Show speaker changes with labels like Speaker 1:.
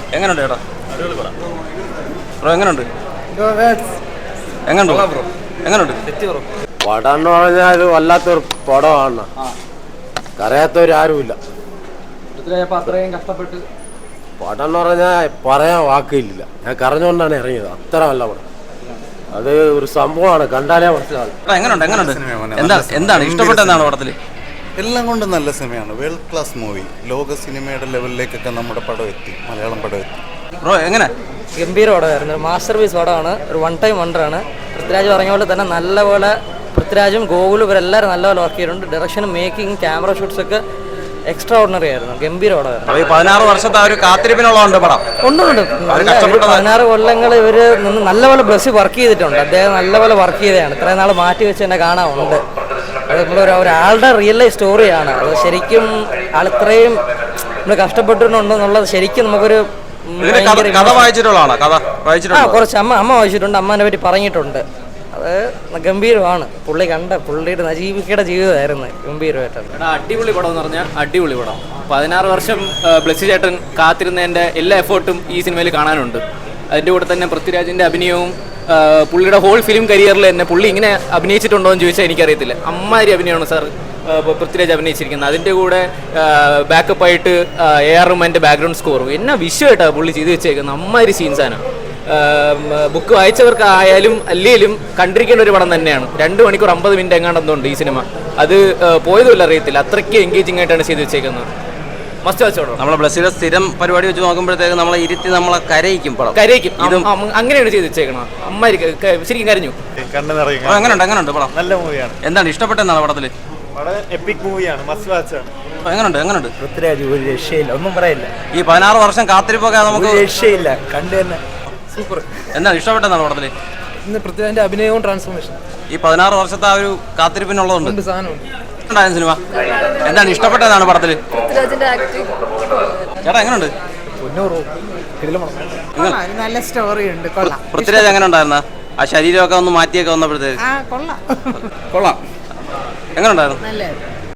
Speaker 1: എങ്ങനെയുണ്ട് ചേട്ടാ? ബ്രോ എങ്ങനെയുണ്ട്? എങ്ങനെയുണ്ട് ബ്രോ? എങ്ങനെയുണ്ട്?
Speaker 2: പടം എന്ന് പറഞ്ഞാൽ ഒരു വല്ലാത്തൊരു പടമാണ്. കരയാത്തവരാരുമില്ല.
Speaker 3: അത്രയും കഷ്ടപ്പെട്ട്
Speaker 2: പടം എന്ന് പറഞ്ഞാൽ പറയാൻ വാക്കില്ല. ഞാൻ കരഞ്ഞുകൊണ്ടാണ് ഇറങ്ങിയത്. അത്ര നല്ല പടം. അത് ഒരു സംഭവമാണ്, കണ്ടാലേ മനസ്സിലാവും.
Speaker 1: എന്താണ് ഇഷ്ടപ്പെട്ടെന്നാണ് പടത്തിൽ?
Speaker 4: എല്ലാം കൊണ്ടും നല്ല സിനിമയാണ്. World class movie. ലോക സിനിമയുടെ ലെവലിലേക്കൊക്കെ നമ്മുടെ പടം എത്തി, മലയാളം പടം എത്തി.
Speaker 1: ബ്രോ എങ്ങനെ?
Speaker 3: ഗംഭീര പടമായിരുന്നു. മാസ്റ്റർ പീസ് പടമാണ്. ഒരു വൺ ടൈം വണ്ടറാണ്. പൃഥ്വിരാജ് പറഞ്ഞ പോലെ തന്നെ നല്ലപോലെ പൃഥ്വിരാജും ഗോകുലും ഇവരെല്ലാവരും നല്ലപോലെ വർക്ക് ചെയ്തിട്ടുണ്ട്. ഡയറക്ഷനും മേക്കിംഗ് ക്യാമറ ഷൂട്ട്സ് ഒക്കെ എക്സ്ട്രാ ഓർഡിനറി ആയിരുന്നു. ഗംഭീര പടമായിരുന്നു.
Speaker 1: 16 വർഷത്തെ ഒരു കാത്തിരിപ്പിനുള്ളതുണ്ട് പടം.
Speaker 3: ഉണ്ട് 16 കൊല്ലങ്ങൾ ഇവർ നിന്ന് നല്ലപോലെ ബസ് വർക്ക് ചെയ്തിട്ടുണ്ട്. അദ്ദേഹം നല്ലപോലെ വർക്ക് ചെയ്തതാണ്. ഇത്രയും നാൾ മാറ്റി വെച്ച് തന്നെ കാണാറുണ്ട്. അത് ഒരാളുടെ റിയൽ ലൈഫ് സ്റ്റോറിയാണ്. അത് ശരിക്കും ആളിത്രയും നമ്മൾ കഷ്ടപ്പെട്ടിട്ടുണ്ടെന്നുള്ളത് ശരിക്കും നമുക്കൊരു
Speaker 1: കഥ വായിച്ചിട്ടുള്ളതാണ്.
Speaker 3: കുറച്ച് അമ്മ വായിച്ചിട്ടുണ്ട്. അമ്മേനെ പറ്റി പറഞ്ഞിട്ടുണ്ട്. അത് ഗംഭീരമാണ്. പുള്ളിയുടെ നജീബിക്കയുടെ ജീവിതമായിരുന്നു ഗംഭീരമായിട്ടാണ്.
Speaker 5: അടിപൊളി പടം എന്ന് പറഞ്ഞാൽ അടിപൊളി പടം. 16 വർഷം ബ്ലസ്സി ചേട്ടൻ കാത്തിരുന്നതിൻ്റെ എല്ലാ എഫേർട്ടും ഈ സിനിമയിൽ കാണാനുണ്ട്. അതിൻ്റെ കൂടെ തന്നെ പൃഥ്വിരാജിൻ്റെ അഭിനയവും പുള്ളിയുടെ ഹോൾ ഫിലിം കരിയറിൽ തന്നെ പുള്ളി ഇങ്ങനെ അഭിനയിച്ചിട്ടുണ്ടോ എന്ന് ചോദിച്ചാൽ എനിക്കറിയത്തില്ല. അമ്മാതിരി അഭിനയമാണ് സാർ പൃഥ്വിരാജ് അഭിനയിച്ചിരിക്കുന്നത്. അതിൻ്റെ കൂടെ ബാക്കപ്പായിട്ട് AR റഹ്മാൻ്റെ ബാക്ക്ഗ്രൗണ്ട് സ്കോറും എന്നാ വിഷയമായിട്ടാണ് പുള്ളി ചെയ്ത് വെച്ചേക്കുന്നത്. അമ്മാതിരി സീൻസാണ്. ബുക്ക് വായിച്ചവർക്ക് ആയാലും അല്ലെങ്കിലും കണ്ടിരിക്കേണ്ട ഒരു പടം തന്നെയാണ്. 2 മണിക്കൂർ 50 മിനിറ്റ് എങ്ങാണ്ടെന്നുണ്ട് ഈ സിനിമ. അത് പോയതുമില്ല, അറിയത്തില്ല. അത്രയ്ക്ക് എൻഗേജിങ് ആയിട്ടാണ് ചെയ്ത് വെച്ചേക്കുന്നത്. മസ്റ്റ് വാച്ചോടോ.
Speaker 1: നമ്മളെ ബ്ലസ്സിലെ സ്ഥിരം പരിപാടി വെച്ച് നോക്കുമ്പോഴത്തേക്ക് നമ്മളെ ഇരുത്തി നമ്മളെ കരയിക്കും.
Speaker 5: അങ്ങനെയാണ് ചെയ്ത് വെച്ചേക്കണം. അമ്മാരി ശരിക്കും കരഞ്ഞു.
Speaker 1: എങ്ങനെയുണ്ട് പടം?
Speaker 6: നല്ല മൂവിയാണ്.
Speaker 1: എന്താണ് ഇഷ്ടപ്പെട്ടെന്നാണ് പടത്തില്?
Speaker 6: എപ്പിക് മൂവിയാണ്. മസ്റ്റ് വാച്ചാണ്.
Speaker 1: എങ്ങനെയുണ്ട്?
Speaker 6: പൃഥ്വിരാജ് ഒരു രക്ഷയില്ല, ഒന്നും പറയില്ല.
Speaker 1: ഈ 16 വർഷം കാത്തിരിപ്പൊക്കെ നമുക്ക്
Speaker 6: രക്ഷയില്ല, കണ്ടു തന്നെ സൂപ്പർ.
Speaker 1: എന്താണ് ഇഷ്ടപ്പെട്ടെന്നാണ് പടത്തില്?
Speaker 3: ഇന്ന് പൃഥ്വിരാജിന്റെ അഭിനയവും ട്രാൻസ്ഫോർമേഷൻ
Speaker 1: ഈ 16 വർഷത്തെ ആ ഒരു കാത്തിരിപ്പിനുള്ളതുണ്ട്.
Speaker 3: സാധനമുണ്ട്.
Speaker 1: സിനിമ എന്താണ് ഇഷ്ടപ്പെട്ടതാണ് പടത്തില്? ചേട്ടാ എങ്ങനെയുണ്ട്?
Speaker 7: നല്ല സ്റ്റോറി ഉണ്ട്. കൊള്ളാം.
Speaker 1: പൃഥ്വിരാജ് എങ്ങനെ ഉണ്ടായിരുന്ന ആ ശരീരമൊക്കെ ഒന്ന് മാറ്റിയൊക്കെ വന്നപ്പോഴത്തേക്ക്?
Speaker 7: കൊള്ളാം.
Speaker 1: കൊള്ളാം. എങ്ങനെ ഉണ്ടായിരുന്നു?